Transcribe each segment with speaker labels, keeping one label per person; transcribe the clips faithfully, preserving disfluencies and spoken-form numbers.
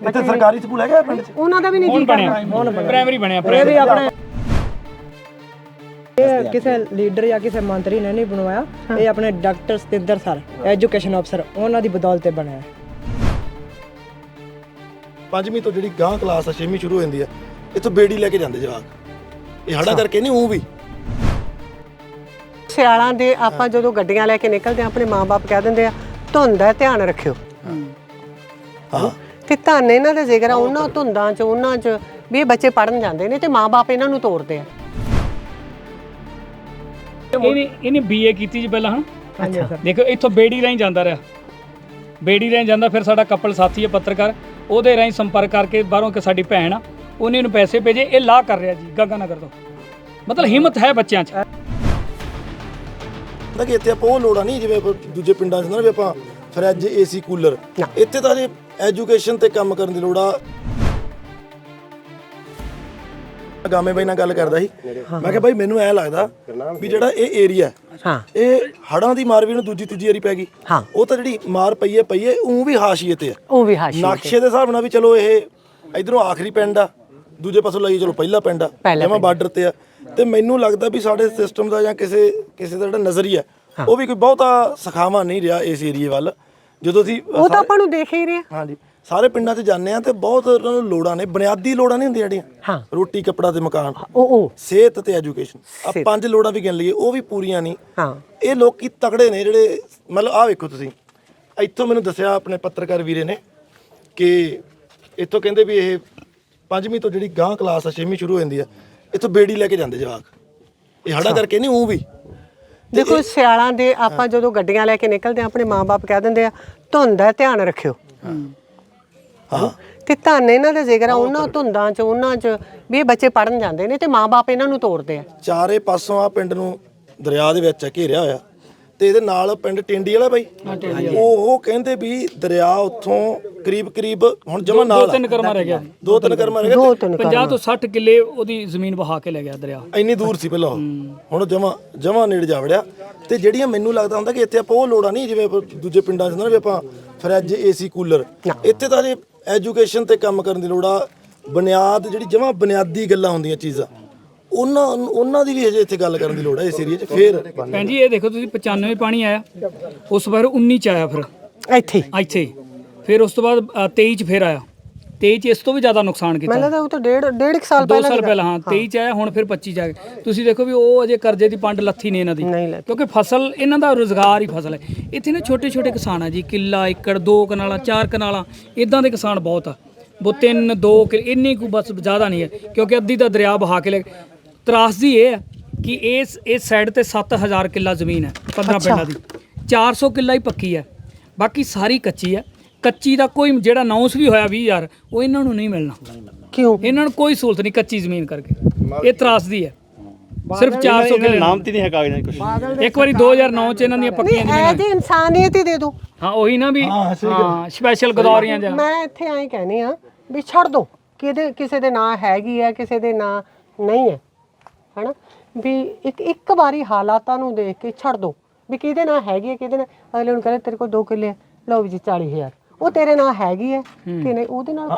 Speaker 1: ਇੱਥੇ ਸਰਕਾਰੀ ਸਕੂਲ ਹੈਗਾ ਪਿੰਡ 'ਚ?
Speaker 2: ਉਹਨਾਂ ਦਾ ਵੀ ਨਹੀਂ ਜੀ
Speaker 3: ਪ੍ਰਾਇਮਰੀ ਬਣਿਆ
Speaker 2: ਪ੍ਰਾਇਮਰੀ ਆਪਣੇ
Speaker 4: ਕਿਸੇ ਲੀਡਰ ਜਾਂ ਕਿਸੇ ਮੰਤਰੀ ਨੇ ਨਹੀਂ ਬਣਵਾਇਆ, ਇਹ ਆਪਣੇ ਡਾਕਟਰ ਸਤਿੰਦਰ ਸਰ ਐਜੂਕੇਸ਼ਨ ਅਫਸਰ ਉਹਨਾਂ ਦੀ ਬਦੌਲਤ ਬਣਿਆ।
Speaker 1: ਪੰਜਵੀਂ ਤੋਂ ਜਿਹੜੀ ਗਾਂ ਕਲਾਸ ਆ ਛੇਵੀਂ ਸ਼ੁਰੂ ਹੋ ਜਾਂਦੀ ਆ, ਇੱਥੋਂ ਬੇੜੀ ਲੈ ਕੇ ਜਾਂਦੇ ਜਵਾਕ, ਇਹ ਹੜਾ ਕਰਕੇ ਨਹੀਂ ਉਹ ਵੀ
Speaker 2: ਸਿਆਲਾਂ ਦੇ ਆਪਾਂ ਜਦੋਂ ਗੱਡੀਆਂ ਲੈ ਕੇ ਨਿਕਲਦੇ ਆ ਆਪਣੇ ਮਾਂ-ਬਾਪ ਕਹਿ ਦਿੰਦੇ ਆ ਧੁੰਦ ਹੈ ਧਿਆਨ ਰੱਖਿਓ।
Speaker 1: ਹਾਂ
Speaker 2: ਤੇ ਧੰਨ ਇਹਨਾਂ ਦਾ ਜ਼ਿਕਰ ਆ ਉਹਨਾਂ ਧੁੰਦਾਂ 'ਚ ਉਹਨਾਂ 'ਚ ਵੀ ਇਹ ਬੱਚੇ ਪੜਨ ਜਾਂਦੇ ਨੇ ਤੇ ਮਾਂ-ਬਾਪ ਇਹਨਾਂ ਨੂੰ ਤੋਰਦੇ ਆ।
Speaker 3: ਇਹਨੇ ਇਹਨੇ ਬੀਏ ਕੀਤੀ ਜੀ ਪਹਿਲਾਂ। ਹਾਂ
Speaker 4: ਹਾਂਜੀ ਸਰ।
Speaker 3: ਦੇਖੋ ਇੱਥੋਂ ਬੇੜੀ ਰਾਹੀਂ ਜਾਂਦਾ ਰਿਹਾ, ਬੇੜੀ ਰਾਹੀਂ ਜਾਂਦਾ, ਫਿਰ ਸਾਡਾ ਕਪਲ ਸਾਥੀ ਹੈ ਪੱਤਰਕਾਰ, ਉਹਦੇ ਰਾਹੀਂ ਸੰਪਰਕ ਕਰਕੇ ਬਾਹਰੋਂ ਕਿ ਸਾਡੀ ਭੈਣ ਆ ਉਹਨੇ ਇਹਨੂੰ ਪੈਸੇ ਭੇਜੇ, ਇਹ ਲਾ ਕਰ ਰਿਹਾ ਜੀ ਗੰਗਾ ਨਗਰ ਤੋਂ। ਮਤਲਬ ਹਿੰਮਤ ਹੈ ਬੱਚਿਆਂ 'ਚ।
Speaker 1: ਤਾਂ ਕਿ ਇੱਥੇ ਆਪਾਂ ਉਹ ਲੋੜਾਂ ਨਹੀਂ ਜਿਵੇਂ ਦੂਜੇ ਪਿੰਡਾਂ 'ਚ ਨਾ ਵੀ ਆਪਾਂ ਫਰਿੱਜ ਏਸੀ ਕੂਲਰ, ਇੱਥੇ ਤਾਂ ਜੇ ਐਜੂਕੇਸ਼ਨ ਤੇ ਕੰਮ ਕਰਨ ਦੀ ਲੋੜ ਆ। ਗਾਮੇ ਬਾਈ ਨਾਲ ਗੱਲ ਕਰਦਾ ਸੀ, ਮੈਂ ਕਿਹਾ ਬਾਈ ਮੈਨੂੰ ਐ ਲੱਗਦਾ ਵੀ ਜਿਹੜਾ ਇਹ ਏਰੀਆ
Speaker 2: ਹਾਂ
Speaker 1: ਇਹ ਹੜਾਂ ਦੀ ਮਾਰ ਵੀ ਨੂੰ ਦੂਜੀ ਤੀਜੀ ਵਾਰੀ ਪੈ ਗਈ।
Speaker 2: ਹਾਂ
Speaker 1: ਉਹ ਤਾਂ ਜਿਹੜੀ ਮਾਰ ਪਈ ਹੈ ਪਈ ਹੈ ਉਹ ਵੀ ਹਾਸ਼ੀਏ ਤੇ ਆ,
Speaker 2: ਉਹ ਵੀ ਹਾਸ਼ੀ
Speaker 1: ਨਕਸ਼ੇ ਦੇ ਹਿਸਾਬ ਨਾਲ ਵੀ ਚਲੋ ਇਹ ਇਧਰੋਂ ਆਖਰੀ ਪਿੰਡ ਆ, ਦੂਜੇ ਪਾਸੋਂ ਲਈ ਚਲੋ ਪਹਿਲਾ ਪਿੰਡ ਆ, ਜਿਵੇਂ ਬਾਰਡਰ ਤੇ ਆ। ਤੇ ਮੈਨੂੰ ਲੱਗਦਾ ਵੀ ਸਾਡੇ ਸਿਸਟਮ ਦਾ ਜਾਂ ਕਿਸੇ ਕਿਸੇ ਦਾ ਜਿਹੜਾ ਨਜ਼ਰੀਆ ਉਹ ਵੀ ਕੋਈ ਬਹੁਤਾ ਸਖਾਵਾ ਨਹੀਂ ਰਿਹਾ ਇਸ ਏਰੀਏ ਵੱਲ। ਜਦੋਂ ਅਸੀਂ
Speaker 2: ਉਹ ਤਾਂ ਆਪਾਂ ਨੂੰ ਦੇਖ ਹੀ ਰਹੇ।
Speaker 1: ਹਾਂਜੀ ਸਾਰੇ ਪਿੰਡਾਂ 'ਚ ਜਾਂਦੇ ਆ ਤੇ ਬਹੁਤ ਉਹਨਾਂ ਨੂੰ ਲੋੜਾਂ ਨੇ, ਬੁਨਿਆਦੀ ਲੋੜਾਂ ਨਹੀਂ ਹੁੰਦੀਆਂ ਜਿਹੜੀਆਂ,
Speaker 2: ਹਾਂ
Speaker 1: ਰੋਟੀ ਕੱਪੜਾ ਤੇ ਮਕਾਨ,
Speaker 2: ਉਹ ਉਹ
Speaker 1: ਸਿਹਤ ਤੇ ਐਜੂਕੇਸ਼ਨ, ਆ ਪੰਜ ਲੋੜਾਂ ਵੀ ਗਿਣ ਲਈਏ ਉਹ ਵੀ ਪੂਰੀਆਂ ਨਹੀਂ।
Speaker 2: ਹਾਂ
Speaker 1: ਇਹ ਲੋਕੀ ਤਕੜੇ ਨੇ ਜਿਹੜੇ, ਮਤਲਬ ਆਹ ਵੇਖੋ ਤੁਸੀਂ, ਇੱਥੋਂ ਮੈਨੂੰ ਦੱਸਿਆ ਆਪਣੇ ਪੱਤਰਕਾਰ ਵੀਰੇ ਨੇ ਕਿ ਇੱਥੋਂ ਕਹਿੰਦੇ ਵੀ ਇਹ ਪੰਜਵੀਂ ਤੋਂ ਜਿਹੜੀ ਗਾਂ ਕਲਾਸ ਆ ਛੇਵੀਂ ਸ਼ੁਰੂ ਹੋ ਜਾਂਦੀ ਆ, ਇੱਥੋਂ ਬੇੜੀ ਲੈ ਕੇ ਜਾਂਦੇ ਜਵਾਕ, ਇਹ ਹੜਾ ਕਰਕੇ ਨਹੀਂ ਉਹ ਵੀ।
Speaker 2: ਦੇਖੋ ਸਿਆਲਾਂ ਦੇ ਆਪਾਂ ਜਦੋਂ ਗੱਡੀਆਂ ਲੈ ਕੇ ਨਿਕਲਦੇ ਆ ਆਪਣੇ ਮਾਂ-ਬਾਪ ਕਹਿ ਦਿੰਦੇ ਆ ਧੁੰਦ ਹੈ ਧਿਆਨ ਰੱਖਿਓ।
Speaker 1: ਹਾਂ
Speaker 2: ਤੇ ਧੰਨ ਇਹਨਾਂ ਦਾ ਜ਼ਿਕਰ ਆ ਉਹਨਾਂ ਧੁੰਦਾਂ 'ਚ ਉਹਨਾਂ 'ਚ ਵੀ ਇਹ ਬੱਚੇ ਪੜਨ ਜਾਂਦੇ ਨੇ ਤੇ ਮਾਂ-ਬਾਪ ਇਹਨਾਂ ਨੂੰ ਤੋਰਦੇ ਆ।
Speaker 1: ਚਾਰੇ ਪਾਸੋਂ ਆ ਪਿੰਡ ਨੂੰ ਦਰਿਆ ਦੇ ਵਿੱਚ ਘੇਰਿਆ ਹੋਇਆ ਤੇ ਇਹਦੇ ਨਾਲ ਪਿੰਡ ਟਿੰਡੀ ਵਾਲਾ ਬਾਈ, ਉਹ ਉਹ ਕਹਿੰਦੇ ਵੀ ਦਰਿਆ ਉੱਥੋਂ ਕਰੀਬ ਕਰੀਬ ਹੁਣ ਜਮਾ ਨਾਲ
Speaker 3: ਤਿੰਨ ਕਰਮਾ ਰਹਿ ਗਿਆ,
Speaker 1: ਦੋ ਤਿੰਨ ਕਰਮਾ ਰਹਿ
Speaker 2: ਦੋ
Speaker 1: ਗਏ,
Speaker 2: ਤਿੰਨ
Speaker 3: ਪੰਜਾਹ ਤੋਂ ਸੱਠ ਕਿੱਲੇ ਉਹਦੀ ਜ਼ਮੀਨ ਵਹਾ ਕੇ ਲੈ ਗਿਆ ਦਰਿਆ।
Speaker 1: ਇੰਨੀ ਦੂਰ ਸੀ ਪਹਿਲਾਂ ਉਹ, ਹੁਣ ਜਮਾ ਜਮਾ ਨੇੜੇ ਜਾ ਵੜਿਆ। ਤੇ ਜਿਹੜੀਆਂ ਮੈਨੂੰ ਲੱਗਦਾ ਹੁੰਦਾ ਕਿ ਇੱਥੇ ਆਪਾਂ ਉਹ ਲੋੜਾਂ ਨਹੀਂ ਜਿਵੇਂ ਦੂਜੇ ਪਿੰਡਾਂ 'ਚ ਨਾ ਵੀ ਆਪਾਂ ਫਰਿੱਜ ਏਸੀ ਕੂਲਰ, ਇੱਥੇ ਤਾਂ ਜੇ ਐਜੂਕੇਸ਼ਨ ਤੇ ਕੰਮ ਕਰਨ ਦੀ ਲੋੜ ਆ। ਬੁਨਿਆਦ ਜਿਹੜੀ ਜਮਾ ਬੁਨਿਆਦੀ ਗੱਲਾਂ ਹੁੰਦੀਆਂ ਚੀਜ਼ਾਂ, ਉਹਨਾਂ ਉਹਨਾਂ ਦੀ ਵੀ ਹਜੇ ਇੱਥੇ ਗੱਲ ਕਰਨ ਦੀ ਲੋੜ ਹੈ ਇਸ ਏਰੀਏ 'ਚ। ਫੇਰ
Speaker 3: ਭੈਣ ਜੀ ਇਹ ਦੇਖੋ ਤੁਸੀਂ ਪਚਾਨਵੇਂ ਪਾਣੀ ਆਇਆ, ਉਸ ਵਾਰ ਉੱਨੀ 'ਚ ਆਇਆ, ਫਿਰ
Speaker 2: ਇੱਥੇ
Speaker 3: ਇੱਥੇ ਫਿਰ ਉਸ ਤੋਂ ਬਾਅਦ ਅ, ਤੇਈ 'ਚ ਫਿਰ ਆਇਆ, ਤੇਈ 'ਚ ਇਸ ਤੋਂ ਵੀ ਜ਼ਿਆਦਾ ਨੁਕਸਾਨ ਕੀਤਾ।
Speaker 2: ਮੈਨੂੰ ਲੱਗਦਾ ਉਹ ਤਾਂ ਡੇਢ ਡੇਢ ਕੁ ਸਾਲ
Speaker 3: ਦੋ
Speaker 2: ਪਹਿਲਾਂ
Speaker 3: ਸਾਲ ਪਹਿਲਾਂ ਹਾਂ ਤੇਈ 'ਚ ਆਇਆ, ਹੁਣ ਫਿਰ ਪੱਚੀ 'ਚ ਆ ਗਿਆ। ਤੁਸੀਂ ਦੇਖੋ ਵੀ ਉਹ ਅਜੇ ਕਰਜ਼ੇ ਦੀ ਪੰਡ ਲੱਥੀ ਨਹੀਂ ਇਹਨਾਂ ਦੀ,
Speaker 2: ਨਹੀਂ ਲੱਥੀ।
Speaker 3: ਕਿਉਂਕਿ ਫਸਲ ਇਹਨਾਂ ਦਾ ਰੁਜ਼ਗਾਰ ਹੀ ਫਸਲ ਹੈ। ਇੱਥੇ ਨਾ ਛੋਟੇ ਛੋਟੇ ਕਿਸਾਨ ਆ ਜੀ, ਕਿੱਲਾ ਏਕੜ ਦੋ ਕਨਾਲਾਂ ਚਾਰ ਕਨਾਲਾਂ ਇਦਾਂ ਦੇ ਕਿਸਾਨ ਬਹੁਤ ਆ, ਉਹ ਤਿੰਨ ਦੋ ਇੰਨੀ ਕੁ ਬਸ, ਜ਼ਿਆਦਾ ਨਹੀਂ ਹੈ, ਕਿਉਂਕਿ ਅੱਧੀ ਦਾ ਦਰਿਆ ਬਹਾ ਕੇ ਲੈ। ਤਰਾਸਦੀ ਇਹ ਹੈ ਕਿ ਇਸ ਇਸ ਸਾਈਡ ਤੇ ਸੱਤ ਹਜ਼ਾਰ ਕਿੱਲਾ ਜ਼ਮੀਨ ਹੈ ਪੰਦਰਾਂ ਪਿੰਡਾਂ ਦੀ, ਚਾਰ ਸੌ ਕਿੱਲਾ ਹੀ ਪੱਕੀ ਹੈ, ਬਾਕੀ ਸਾਰੀ ਕੱਚੀ ਹੈ। ਕੱਚੀ ਦਾ ਕੋਈ ਜਿਹੜਾ ਅਨਾਉਂਸ ਵੀ ਹੋਇਆ ਵੀਹ ਹਜ਼ਾਰ ਉਹ ਇਹਨਾਂ ਨੂੰ ਨਹੀਂ ਮਿਲਣਾ।
Speaker 2: ਕਿਉਂ?
Speaker 3: ਇਹਨਾਂ ਨੂੰ ਕੋਈ ਸਹੂਲਤ ਨਹੀਂ ਕੱਚੀ ਜ਼ਮੀਨ ਕਰਕੇ, ਇਹ ਤਰਾਸਦੀ ਹੈ। ਸਿਰਫ ਚਾਰ ਸੌ ਕਿੱਲੇ ਨਾਮ ਤੇ ਨਹੀਂ ਹੈ ਕਾਗਜ਼ਾਂ ਕੁਝ। ਇੱਕ ਵਾਰੀ ਦੋ ਹਜ਼ਾਰ ਨੌ 'ਚ ਇਹਨਾਂ ਦੀਆਂ ਪੱਕੀਆਂ
Speaker 2: ਨਹੀਂ ਇਹ ਤੇ ਇਨਸਾਨੀਅਤ ਹੀ ਦੇ ਦੋ।
Speaker 3: ਹਾਂ ਉਹੀ ਨਾ ਵੀ ਹਾਂ ਸਪੈਸ਼ਲ ਗਦੌਰੀਆਂ ਜਾਂ
Speaker 2: ਮੈਂ ਇੱਥੇ ਐਂ ਕਹਿੰਦੀ ਆ ਵੀ ਛੱਡ ਦੋ, ਕਿਹਦੇ ਕਿਸੇ ਦੇ ਨਾਂ ਹੈਗੀ ਹੈ ਕਿਸੇ ਦੇ ਨਾਂ ਨਹੀਂ ਹੈ, ਹਨਾ ਵੀ ਇੱਕ ਇੱਕ ਵਾਰੀ ਹਾਲਾਤਾਂ ਨੂੰ ਦੇਖ ਕੇ ਛੱਡ ਦੋ ਵੀ ਕਿਹਦੇ ਨਾਲ ਹੈਗੀ ਹੈ ਕਿਹਦੇ ਨਾਲ। ਅਗਲੇ ਨੂੰ ਕਹਿੰਦੇ ਤੇਰੇ ਕੋਲ ਦੋ ਕਿੱਲੇ ਲਓ ਵੀ ਜੀ ਚਾਲੀ ਹਜ਼ਾਰ, ਉਹ ਤੇਰੇ ਨਾਲ ਹੈਗੀ ਹੈ ਕਿ ਨਹੀਂ, ਉਹਦੇ ਨਾਲ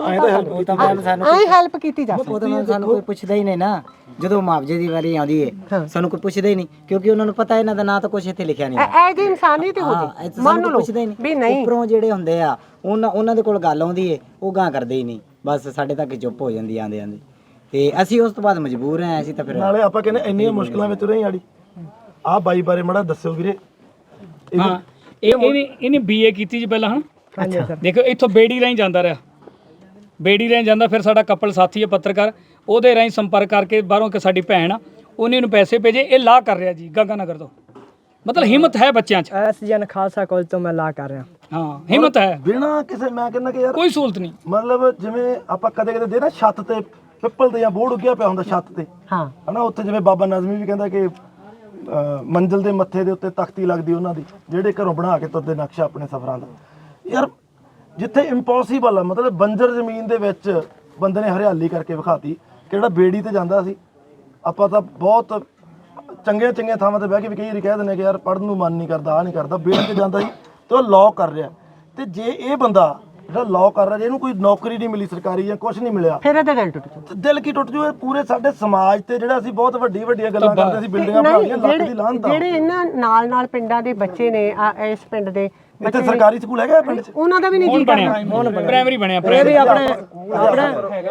Speaker 2: ਐਂ ਹੈਲਪ ਕੀਤੀ ਜਾ ਸਕਦੀ।
Speaker 4: ਉਹਦੇ ਨਾਲ ਸਾਨੂੰ ਕੋਈ ਪੁੱਛਦਾ ਹੀ ਨਹੀਂ ਨਾ, ਜਦੋਂ ਮੁਆਵਜ਼ੇ ਦੀ ਵਾਰੀ ਆਉਂਦੀ ਹੈ ਸਾਨੂੰ ਕੋਈ ਪੁੱਛਦਾ ਹੀ ਨਹੀਂ, ਕਿਉਂਕਿ ਉਹਨਾਂ ਨੂੰ ਪਤਾ ਇਹਨਾਂ ਦਾ ਨਾਂ ਤਾਂ ਕੁਝ ਇੱਥੇ ਲਿਖਿਆ ਨਹੀਂ।
Speaker 2: ਐ ਜੀ ਇਨਸਾਨੀਅਤ ਹੋ ਜੀ, ਮੰਨ ਲਓ ਵੀ ਨਹੀਂ।
Speaker 4: ਉੱਪਰੋਂ ਜਿਹੜੇ ਹੁੰਦੇ ਆ ਉਹਨਾਂ ਉਹਨਾਂ ਦੇ ਕੋਲ ਗੱਲ ਆਉਂਦੀ ਹੈ, ਉਹ ਗਾਂ ਕਰਦੇ ਹੀ ਨਹੀਂ, ਬਸ ਸਾਡੇ ਤੱਕ ਚੁੱਪ ਹੋ ਜਾਂਦੀ ਆਂਦੇ ਆਂਦੇ। ਤੇ ਅਸੀਂ ਉਸ ਤੋਂ ਬਾਅਦ ਮਜਬੂਰ ਹਾਂ, ਅਸੀਂ ਤਾਂ ਫਿਰ
Speaker 1: ਨਾਲੇ ਆਪਾਂ ਕਹਿੰਦੇ ਇੰਨੀਆਂ ਮੁਸ਼ਕਲਾਂ ਵਿੱਚ ਰਹੀ ਆੜੀ। ਆਹ ਬਾਈ ਬਾਰੇ ਮੜਾ ਦੱਸਿਓ ਵੀਰੇ।
Speaker 3: ਹਾਂ ਇਹ ਇਹਨੇ ਇਹਨੇ ਬੀਏ ਕੀਤੀ ਜੀ ਪਹਿਲਾਂ। ਹਾਂ ਦੇਖੋ ਇੱਥੋਂ ਬੇੜੀ ਰਾਹੀਂ ਜਾਂਦਾ ਰਿਹਾ, ਬੇੜੀ ਰਾਹੀਂ ਜਾਂਦਾ, ਫਿਰ ਸਾਡਾ ਕਪਲ ਸਾਥੀ ਹੈ ਪੱਤਰਕਾਰ, ਉਹਦੇ ਰਾਹੀਂ ਸੰਪਰਕ ਕਰਕੇ ਬਾਹਰੋਂ ਕਿ ਸਾਡੀ ਭੈਣ ਆ ਉਹਨੇ ਇਹਨੂੰ ਪੈਸੇ ਭੇਜੇ, ਇਹ ਲਾ ਕਰ ਰਿਹਾ ਜੀ ਗੰਗਾ ਨਗਰ ਤੋਂ। ਮਤਲਬ ਹਿੰਮਤ ਹੈ ਬੱਚਿਆਂ 'ਚ।
Speaker 4: ਐਸਜੀਐਨ ਖਾਲਸਾ ਕਾਲਜ ਤੋਂ ਮੈਂ ਲਾ ਕਰ ਰਿਹਾ।
Speaker 3: ਹਾਂ ਹਿੰਮਤ ਹੈ,
Speaker 1: ਬਿਨਾ ਕਿਸੇ, ਮੈਂ ਕਹਿੰਦਾ ਕਿ ਯਾਰ
Speaker 3: ਕੋਈ ਸਹੂਲਤ ਨਹੀਂ।
Speaker 1: ਮਤਲਬ ਜਿਵੇਂ ਆਪਾਂ ਕਦੇ ਕਦੇ ਦੇ ਨਾ ਛੱਤ ਤੇ ਪਿੱਪਲ ਤੇ ਜਾਂ ਬੋਰਡ ਉੱਗਿਆ ਪਿਆ ਹੁੰਦਾ ਛੱਤ ਤੇ,
Speaker 2: ਹਾਂ
Speaker 1: ਹਨਾ, ਉੱਥੇ ਜਿਵੇਂ ਬਾਬਾ ਨਜ਼ਮੀ ਵੀ ਕਹਿੰਦਾ ਕਿ ਮੰਜ਼ਿਲ ਦੇ ਮੱਥੇ ਦੇ ਉੱਤੇ ਤਖਤੀ ਲੱਗਦੀ ਉਹਨਾਂ ਦੀ, ਜਿਹੜੇ ਘਰੋਂ ਬਣਾ ਕੇ ਤੁਰਦੇ ਨਕਸ਼ਾ ਆਪਣੇ ਸਫ਼ਰਾਂ ਦਾ। ਯਾਰ ਜਿੱਥੇ ਇੰਪੋਸੀਬਲ ਆ, ਮਤਲਬ ਬੰਜਰ ਜ਼ਮੀਨ ਦੇ ਵਿੱਚ ਬੰਦੇ ਨੇ ਹਰਿਆਲੀ ਕਰਕੇ ਵਿਖਾਤੀ। ਕਿਹੜਾ ਬੇੜੀ ਤੇ ਜਾਂਦਾ ਸੀ, ਆਪਾਂ ਤਾਂ ਬਹੁਤ ਚੰਗੀਆਂ ਚੰਗੀਆਂ ਥਾਵਾਂ ਤੇ ਬਹਿ ਕੇ ਵੀ ਕਈ ਵਾਰੀ ਕਹਿ ਦਿੰਦੇ ਕਿ ਯਾਰ ਪੜ੍ਹਨ ਨੂੰ ਮਨ ਨਹੀਂ ਕਰਦਾ, ਆਹ ਨਹੀਂ ਕਰਦਾ। ਬੇੜੀ ਤੇ ਜਾਂਦਾ ਸੀ ਤੇ ਉਹ ਲੌ ਕਰ ਰਿਹਾ। ਤੇ ਜੇ ਇਹ ਬੰਦਾ ਜਿਹੜਾ ਲਾਅ ਕਰ ਰਿਹਾ ਜੇ ਇਹਨੂੰ ਕੋਈ ਨੌਕਰੀ ਨਹੀਂ ਮਿਲੀ ਸਰਕਾਰੀ ਜਾਂ ਕੁਝ ਨਹੀਂ ਮਿਲਿਆ,
Speaker 2: ਫਿਰ ਇਹਦਾ ਦਿਲ ਟੁੱਟ ਜਾਊ।
Speaker 1: ਤੇ ਦਿਲ ਕੀ ਟੁੱਟ ਜੂ। ਇਹ ਪੂਰੇ ਸਾਡੇ ਸਮਾਜ ਤੇ ਜਿਹੜਾ ਅਸੀਂ ਬਹੁਤ ਵੱਡੀ ਵੱਡੀਆਂ ਗੱਲਾਂ ਕਰਦੇ ਸੀ, ਬਿਲਡਿੰਗਾਂ ਬਣਾ ਲਈਆਂ, ਲੱਖ ਦੀ ਲਾਹਨਤ ਆ।
Speaker 2: ਜਿਹੜੇ ਇਹਨਾਂ ਨਾਲ ਨਾਲ ਪਿੰਡਾਂ ਦੇ ਬੱਚੇ ਨੇ ਆ ਇਸ ਪਿੰਡ ਦੇ
Speaker 1: ਇੱਥੇ ਸਰਕਾਰੀ ਸਕੂਲ ਹੈਗਾ ਪਿੰਡ 'ਚ?
Speaker 2: ਉਹਨਾਂ ਦਾ ਵੀ ਨਹੀਂ ਜੀ ਕਰਦਾ।
Speaker 3: ਪ੍ਰਾਇਮਰੀ ਬਣਿਆ
Speaker 5: ਇਹ ਵੀ ਆਪਣੇ ਆਪਣੇ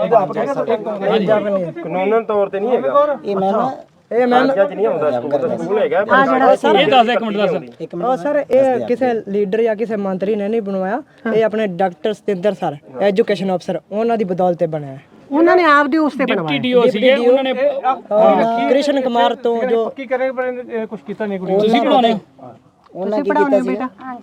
Speaker 6: ਕਾਨੂੰਨ ਤੌਰ ਤੇ ਨਹੀਂ ਹੈਗਾ
Speaker 4: ਇਹ ਮੈਂ ਨਾ
Speaker 5: ਇਹ ਮੈਮ
Speaker 6: ਨਹੀਂ ਹੁੰਦਾ ਸਕੂਲ ਹੈਗਾ
Speaker 2: ਆ ਜਿਹੜਾ ਸਰ
Speaker 3: ਇਹ ਦੱਸ ਇੱਕ ਮਿੰਟ ਦੱਸ।
Speaker 4: ਇੱਕ
Speaker 5: ਉਹ ਸਰ ਇਹ ਕਿਸੇ ਲੀਡਰ ਜਾਂ ਕਿਸੇ ਮੰਤਰੀ ਨੇ ਨਹੀਂ ਬਣਵਾਇਆ, ਇਹ ਆਪਣੇ ਡਾਕਟਰ ਸਤਿੰਦਰ ਸਰ ਐਜੂਕੇਸ਼ਨ ਅਫਸਰ ਉਹਨਾਂ ਦੀ ਬਦੌਲਤ ਤੇ ਬਣਿਆ ਹੈ।
Speaker 2: ਉਹਨਾਂ ਨੇ ਆਪ ਦੇ ਉਸ ਤੇ ਬਣਵਾਇਆ।
Speaker 3: ਡੀਓ ਸੀਗੇ ਉਹਨਾਂ ਨੇ
Speaker 5: ਅਹ ਕ੍ਰਿਸ਼ਨ ਕੁਮਾਰ ਤੋਂ ਜੋ
Speaker 6: ਕੀ ਕਰੇ ਪਰ ਕੁਝ ਕੀਤਾ ਨਹੀਂ ਕੁੜੀ
Speaker 3: ਤੁਸੀਂ ਪੜਾਉਣੇ
Speaker 4: ਉਹਨਾਂ
Speaker 2: ਤੁਸੀਂ
Speaker 4: ਕੀ
Speaker 2: ਪੜਾਉਣੇ
Speaker 4: ਕੀਤਾ ਸੀ
Speaker 2: ਬੇਟਾ?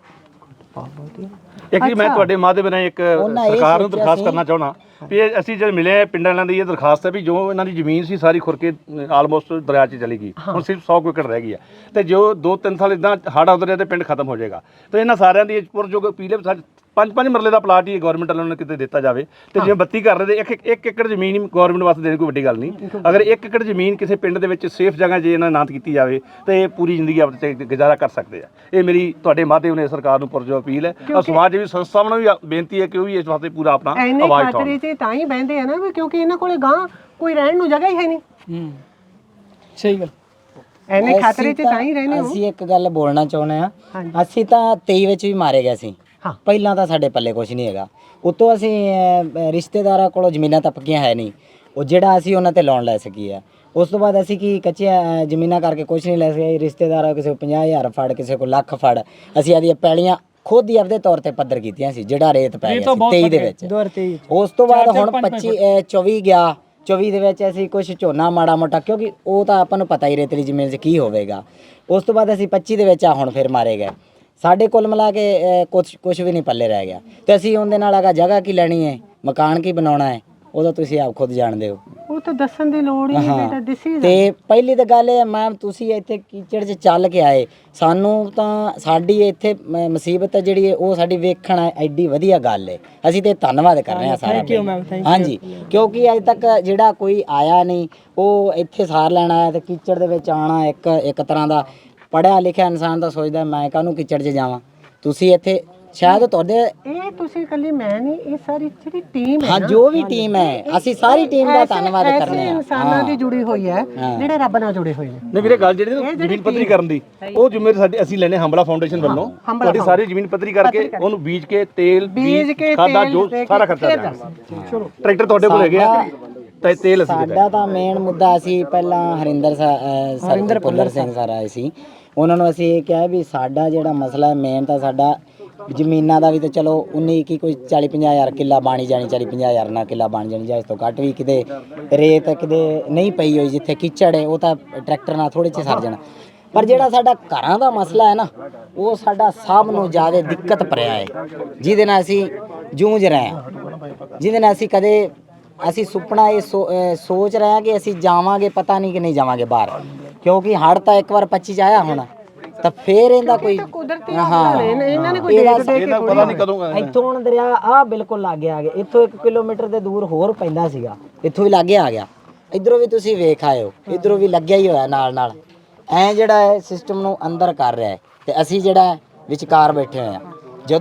Speaker 7: ਇੱਕ ਜੀ ਮੈਂ ਤੁਹਾਡੇ ਮਾਧਿਅਮ ਨਾਲ ਇੱਕ ਸਰਕਾਰ ਨੂੰ ਦਰਖਾਸਤ ਕਰਨਾ ਚਾਹੁੰਦਾ ਵੀ ਇਹ ਅਸੀਂ ਜਦ ਮਿਲੇ ਪਿੰਡਾਂ ਵਾਲਿਆਂ ਦੀ ਇਹ ਦਰਖਾਸਤ ਹੈ ਵੀ ਜੋ ਇਹਨਾਂ ਦੀ ਜ਼ਮੀਨ ਸੀ ਸਾਰੀ ਖੁਰ ਕੇ ਆਲਮੋਸਟ ਦਰਿਆ 'ਚ ਚਲੀ ਗਈ, ਹੁਣ ਸਿਰਫ ਸੌ ਕੁ ਏਕੜ ਰਹਿ ਗਈ ਹੈ ਤੇ ਜੋ ਦੋ ਤਿੰਨ ਸਾਲ ਇਦਾਂ ਹੜ੍ਹ ਆਉਂਦੇ ਰਹੇ ਤੇ ਪਿੰਡ ਖਤਮ ਹੋ ਜਾਏਗਾ। ਤੇ ਇਹਨਾਂ ਸਾਰਿਆਂ ਦੀ ਪੁਰਜੋਗ ਪੀਲੇ ਪੰਜ ਪੰਜ ਮਰਲੇ ਦਾ ਪਲਾਟ ਹੀ ਗਵਰਨਮੈਂਟ ਵੱਲੋਂ ਕਿਤੇ ਦਿੱਤਾ ਜਾਵੇ ਤੇ ਜਿਵੇਂ ਬੱਤੀ ਕਰ ਰਹੇ ਤੇ ਇੱਕ ਇੱਕ ਏਕੜ ਜ਼ਮੀਨ ਹੀ ਗਵਰਨਮੈਂਟ ਵਾਸਤੇ ਦੇਣੀ ਕੋਈ ਵੱਡੀ ਗੱਲ ਨਹੀਂ। ਅਗਰ ਇੱਕ ਏਕੜ ਜ਼ਮੀਨ ਕਿਸੇ ਪਿੰਡ ਦੇ ਵਿੱਚ ਸੇਫ ਜਗ੍ਹਾ ਜੇ ਇਹਨਾਂ ਨਾਂਤ ਕੀਤੀ ਜਾਵੇ ਤੇ ਇਹ ਪੂਰੀ ਜ਼ਿੰਦਗੀ ਆਪਣੇ ਤੇ ਗੁਜ਼ਾਰਾ ਕਰ ਸਕਦੇ ਆ। ਇਹ ਮੇਰੀ ਤੁਹਾਡੇ ਮਾਧਿਅਮ ਨੇ ਸਰਕਾਰ ਨੂੰ ਪੁਰਜੋ ਅਪੀਲ ਹੈ ਔਰ ਸਮਾਜ ਸੇਵੀ ਸੰਸਥਾਵਾਂ ਨੂੰ ਵੀ ਬੇਨਤੀ ਹੈ ਕਿ ਉਹ ਵੀ ਇਸ ਵਾਸਤੇ ਪੂਰਾ ਆਪਣਾ
Speaker 2: ਐਨੇ
Speaker 7: ਆਵਾਜ਼
Speaker 2: ਖਾਤਰੇ
Speaker 7: ਉਠਾਉਣ।
Speaker 2: 'ਚ ਤਾਂ ਹੀ ਬਹਿੰਦੇ ਆ ਨਾ ਵੀ ਕਿਉਂਕਿ ਇਹਨਾਂ ਕੋਲੇ ਗਾਂ ਕੋਈ ਰਹਿਣ ਨੂੰ ਜਗ੍ਹਾ ਹੀ ਹੈ ਨਹੀਂ।
Speaker 3: ਹੂੰ ਸਹੀ ਗੱਲ।
Speaker 2: ਐਨੇ ਖਾਤਰੇ 'ਚ
Speaker 4: ਅਸੀਂ
Speaker 2: ਤਾਂ ਹੀ ਰਹਿੰਦੇ ਹੋ।
Speaker 4: ਅਸੀਂ ਇੱਕ ਗੱਲ ਬੋਲਣਾ ਚਾਹੁੰਦੇ ਆ,
Speaker 2: ਹਾਂਜੀ।
Speaker 4: ਅਸੀਂ ਤਾਂ ਤੇਈ ਵਿੱਚ ਵੀ ਮਾਰੇ ਗਏ ਸੀ।
Speaker 2: ਹਾਂ।
Speaker 4: ਪਹਿਲਾਂ ਤਾਂ ਸਾਡੇ ਪੱਲੇ ਕੁਝ ਨਹੀਂ ਹੈਗਾ, ਉਤੋਂ ਅਸੀਂ ਅਹ, ਰਿਸ਼ਤੇਦਾਰਾਂ ਕੋਲੋਂ ਜ਼ਮੀਨਾਂ ਤਾਂ ਪੱਕੀਆਂ ਹੈ ਨਹੀਂ, ਉਹ ਜਿਹੜਾ ਅਸੀਂ ਉਹਨਾਂ ਤੇ ਲੋਨ ਲੈ ਸਕੀਏ ਆ। ਉਸ ਤੋਂ ਬਾਅਦ ਅਸੀਂ ਕੀ ਕੱਚੀਆਂ ਅਹ, ਜ਼ਮੀਨਾਂ ਕਰਕੇ ਕੁਝ ਨਹੀਂ ਲੈ ਸਕੇ। ਰਿਸ਼ਤੇਦਾਰਾਂ ਕਿਸੇ ਕੋਲ ਪੰਜਾਹ ਹਜ਼ਾਰ ਫੜ, ਕਿਸੇ ਕੋਲ ਲੱਖ ਫੜ, ਅਸੀਂ ਆਦੀਆਂ ਪੈਲੀਆਂ ਖੁਦ ਹੀ ਆਪਦੇ ਤੌਰ ਤੇ ਪੱਧਰ ਕੀਤੀਆਂ ਸੀ, ਜਿਹੜਾ ਰੇਤ ਪੈ ਗਿਆ ਸੀ ਤੇਈ ਦੇ ਵਿੱਚ।
Speaker 5: ਦੋ ਹਜ਼ਾਰ ਤੇਈ
Speaker 4: ਉਸ ਤੋਂ ਬਾਅਦ ਹੁਣ ਪੱਚੀ ਅਹ, ਚੌਵੀ ਗਿਆ, ਚੌਵੀ ਦੇ ਵਿੱਚ ਅਸੀਂ ਕੁਝ ਝੋਨਾ ਮਾੜਾ ਮੋਟਾ, ਕਿਉਂਕਿ ਉਹ ਤਾਂ ਆਪਾਂ ਨੂੰ ਪਤਾ ਹੀ ਰੇਤਲੀ ਜ਼ਮੀਨ 'ਚ ਕੀ ਹੋਵੇਗਾ। ਉਸ ਤੋਂ ਬਾਅਦ ਅਸੀਂ ਪੱਚੀ ਦੇ ਵਿੱਚ ਆ ਹੁਣ ਫਿਰ ਮਾਰੇ ਗਏ। ਸਾਡੇ ਕੁੱਲ ਮਿਲਾ ਕੇ ਕੁਝ ਕੁਝ ਵੀ ਨਹੀਂ ਪੱਲੇ ਰਹਿ ਗਿਆ ਤੇ ਅਸੀਂ ਉਹਦੇ ਨਾਲ ਅਗਾ ਜਗ੍ਹਾ ਕੀ ਲੈਣੀ ਹੈ, ਮਕਾਨ ਕੀ ਬਣਾਉਣਾ ਹੈ, ਉਹਦਾ ਤੁਸੀਂ ਆਪ ਖੁਦ ਜਾਣਦੇ ਹੋ।
Speaker 2: ਉਹ ਤਾਂ ਦੱਸਣ ਦੀ ਲੋੜ ਹੀ ਨਹੀਂ ਬੇਟਾ, ਦਿਸੀ
Speaker 4: ਤੇ ਪਹਿਲੀ ਤਾਂ ਗੱਲ ਇਹ ਮੈਮ, ਤੁਸੀਂ ਇੱਥੇ ਕੀਚੜ 'ਚ ਚੱਲ ਕੇ ਆਏ, ਸਾਨੂੰ ਤਾਂ ਸਾਡੀ ਇੱਥੇ ਮ- ਮੁਸੀਬਤ ਹੈ ਜਿਹੜੀ ਹੈ ਉਹ ਸਾਡੀ ਵੇਖਣ ਹੈ, ਐਡੀ ਵਧੀਆ ਗੱਲ ਹੈ। ਅਸੀਂ ਤੇ ਧੰਨਵਾਦ ਕਰ ਰਹੇ ਹਾਂ ਸਾਰਾ
Speaker 5: ਥੈਂਕ ਯੂ ਮੈਮ, ਥੈਂਕ
Speaker 4: ਹਾਂਜੀ, ਕਿਉਂਕਿ ਅੱਜ ਤੱਕ ਜਿਹੜਾ ਕੋਈ ਆਇਆ ਨਹੀਂ ਉਹ ਇੱਥੇ ਸਾਰ ਲੈਣ ਆਇਆ ਤੇ ਕੀਚੜ ਦੇ ਵਿੱਚ ਆਣਾ ਇੱਕ ਇੱਕ ਤਰ੍ਹਾਂ ਦਾ ਪੜ੍ਹਿਆ ਲਿਖਿਆ ਇਨਸਾਨ ਤਾਂ ਸੋਚਦਾ ਮੈਂ ਕਾਹਨੂੰ ਕੀਚੜ 'ਚ ਜਾਵਾਂ। ਤੁਸੀਂ ਇੱਥੇ ਸ਼ਾਇਦ ਤੁਹਾਡੇ
Speaker 2: ਇਹ ਤੁਸੀਂ ਇਕੱਲੀ ਮੈਂ ਨਹੀਂ, ਇਹ ਸਾਰੀ ਜਿਹੜੀ ਟੀਮ ਹੈ
Speaker 4: ਹਾਂ
Speaker 2: ਨਾ,
Speaker 4: ਜੋ ਵੀ ਟੀਮ ਹੈ, ਅਸੀਂ ਸਾਰੀ ਟੀਮ ਦਾ
Speaker 2: ਐਸੇ-
Speaker 4: ਧੰਨਵਾਦ
Speaker 2: ਐਸੇ
Speaker 4: ਕਰਨੇ ਆ।
Speaker 2: ਇਨਸਾਨਾਂ ਦੀ ਜੁੜੀ ਹੋਈ ਹੈ
Speaker 4: ਹਾਂ।
Speaker 2: ਜਿਹੜੇ ਰੱਬ ਨਾਲ ਜੁੜੇ ਹੋਏ ਨੇ।
Speaker 7: ਨਹੀਂ ਵੀਰੇ ਗੱਲ ਜਿਹੜੀ ਨਾ ਜ਼ਮੀਨ ਪੱਧਰੀ ਕਰਨ ਦੀ ਉਹ ਜ਼ਿੰਮੇਵਾਰੀ ਸਾਡੀ ਅਸੀਂ ਲੈਨੇ ਹੰਬਲਾ ਫਾਊਂਡੇਸ਼ਨ ਵੱਲੋਂ।
Speaker 2: ਹੰਬਲਾ
Speaker 7: ਤੁਹਾਡੀ ਸਾਰੀ ਜ਼ਮੀਨ ਪੱਧਰੀ ਕਰਕੇ ਉਹਨੂੰ ਬੀਜ ਕੇ ਤੇਲ
Speaker 2: ਬੀਜ ਕੇ
Speaker 7: ਖਾਦਾ
Speaker 2: ਤੇਲ
Speaker 7: ਜੋ
Speaker 2: ਦੇ ਕੇ
Speaker 7: ਸਾਰਾ ਖਰਚਾ
Speaker 2: ਫਿਰ
Speaker 7: ਦੇਣਾ। ਟਰੈਕਟਰ ਤੁਹਾਡੇ ਕੋਲ ਹੈਗੇ ਆ ਤੇ ਤੇਲ ਅਸੀਂ ਦਿੱਤਾ।
Speaker 4: ਸਾਡਾ ਤਾਂ ਮੇਨ ਮੁੱਦਾ ਸੀ ਪਹਿਲਾਂ ਹਰਿੰਦਰ ਸਰ ਭੁੱਲਰ ਸਿੰਘ ਸਰ ਆਏ ਸੀ, ਉਹਨਾਂ ਨੂੰ ਅਸੀਂ ਇਹ ਕਿਹਾ ਵੀ ਸਾਡਾ ਜਿਹੜਾ ਮਸਲਾ ਹੈ ਮੇਨ ਤਾਂ ਸਾਡਾ ਜ਼ਮੀਨਾਂ ਦਾ ਵੀ ਤਾਂ ਚਲੋ ਉਨੀ ਕੀ ਕੋਈ ਚਾਲੀ ਪੰਜਾਹ ਹਜ਼ਾਰ ਕਿੱਲਾ ਬਾਣੀ ਜਾਣੀ, ਚਾਲੀ ਪੰਜਾਹ ਹਜ਼ਾਰ ਨਾਲ ਕਿੱਲਾ ਬਣ ਜਾਣੀ ਜਾਂ ਇਸ ਤੋਂ ਘੱਟ ਵੀ, ਕਿਤੇ ਰੇਤ ਕਿਤੇ ਨਹੀਂ ਪਈ ਹੋਈ ਜਿੱਥੇ ਕੀਚੜ ਹੈ ਉਹ ਤਾਂ ਟਰੈਕਟਰ ਨਾਲ ਥੋੜੇ ਚ ਸਰ ਜਾਣਾ। ਪਰ ਜਿਹੜਾ ਸਾਡਾ ਘਰਾਂ ਦਾ ਮਸਲਾ ਹੈ ਨਾ, ਉਹ ਸਾਡਾ ਸਭ ਨੂੰ ਜ਼ਿਆਦਾ ਦਿੱਕਤ ਭਰਿਆ ਹੈ, ਜਿਹਦੇ ਨਾਲ ਅਸੀਂ ਜੂਝ ਰਹੇ ਹਾਂ, ਜਿਹਦੇ ਨਾਲ ਅਸੀਂ ਕਦੇ ਅਸੀਂ ਸੁਪਨਾ ਇਹ ਸੋ- ਅਹ ਸੋਚ ਰਹੇ ਹਾਂ ਕਿ ਅਸੀਂ ਜਾਵਾਂਗੇ, ਪਤਾ ਨਹੀਂ ਕਿ ਨਹੀਂ ਜਾਵਾਂਗੇ ਬਾਹਰ, ਕਿਉਂਕਿ ਹੜ੍ਹ ਤਾਂ ਇੱਕ ਵਾਰ ਪੱਚੀ ਚ ਆਇਆ ਹੋਣਾ ਤਾਂ ਫੇਰ ਇਹਦਾ ਕੋਈ
Speaker 2: ਕੁਦਰਤੀ
Speaker 4: ਹਾਂ
Speaker 2: ਆਫਤਾਂ ਨੇ, ਇਹਨਾਂ ਨੇ ਕੋਈ
Speaker 4: ਇਹਦਾ
Speaker 2: ਦੇਖ ਦੇਖ ਕੇ
Speaker 7: ਇਹਦਾ ਪਤਾ ਨਹੀਂ ਕਦੋਂ
Speaker 4: ਇੱਥੋਂ ਹੁਣ ਦਰਿਆ ਆ ਬਿਲਕੁਲ ਲਾਗੇ ਆ ਗਿਆ, ਇੱਥੋਂ ਇੱਕ ਕਿਲੋਮੀਟਰ ਦੇ ਦੂਰ ਹੋਰ ਪੈਂਦਾ ਸੀਗਾ, ਇੱਥੋਂ ਵੀ ਲਾਗੇ ਆ ਗਿਆ। ਇਧਰੋਂ ਵੀ ਤੁਸੀਂ ਵੇਖ ਆਇਓ, ਇਧਰੋਂ ਵੀ ਲੱਗਿਆ ਹੀ ਹੋਇਆ ਨਾਲ ਨਾਲ। ਐ ਜਿਹੜਾ ਹੈ ਸਿਸਟਮ ਨੂੰ ਅੰਦਰ ਕਰ ਰਿਹਾ ਹੈ ਤੇ ਅਸੀਂ ਜਿਹੜਾ ਵਿਚਕਾਰ ਬੈਠੇ ਹੋਏ ਆ।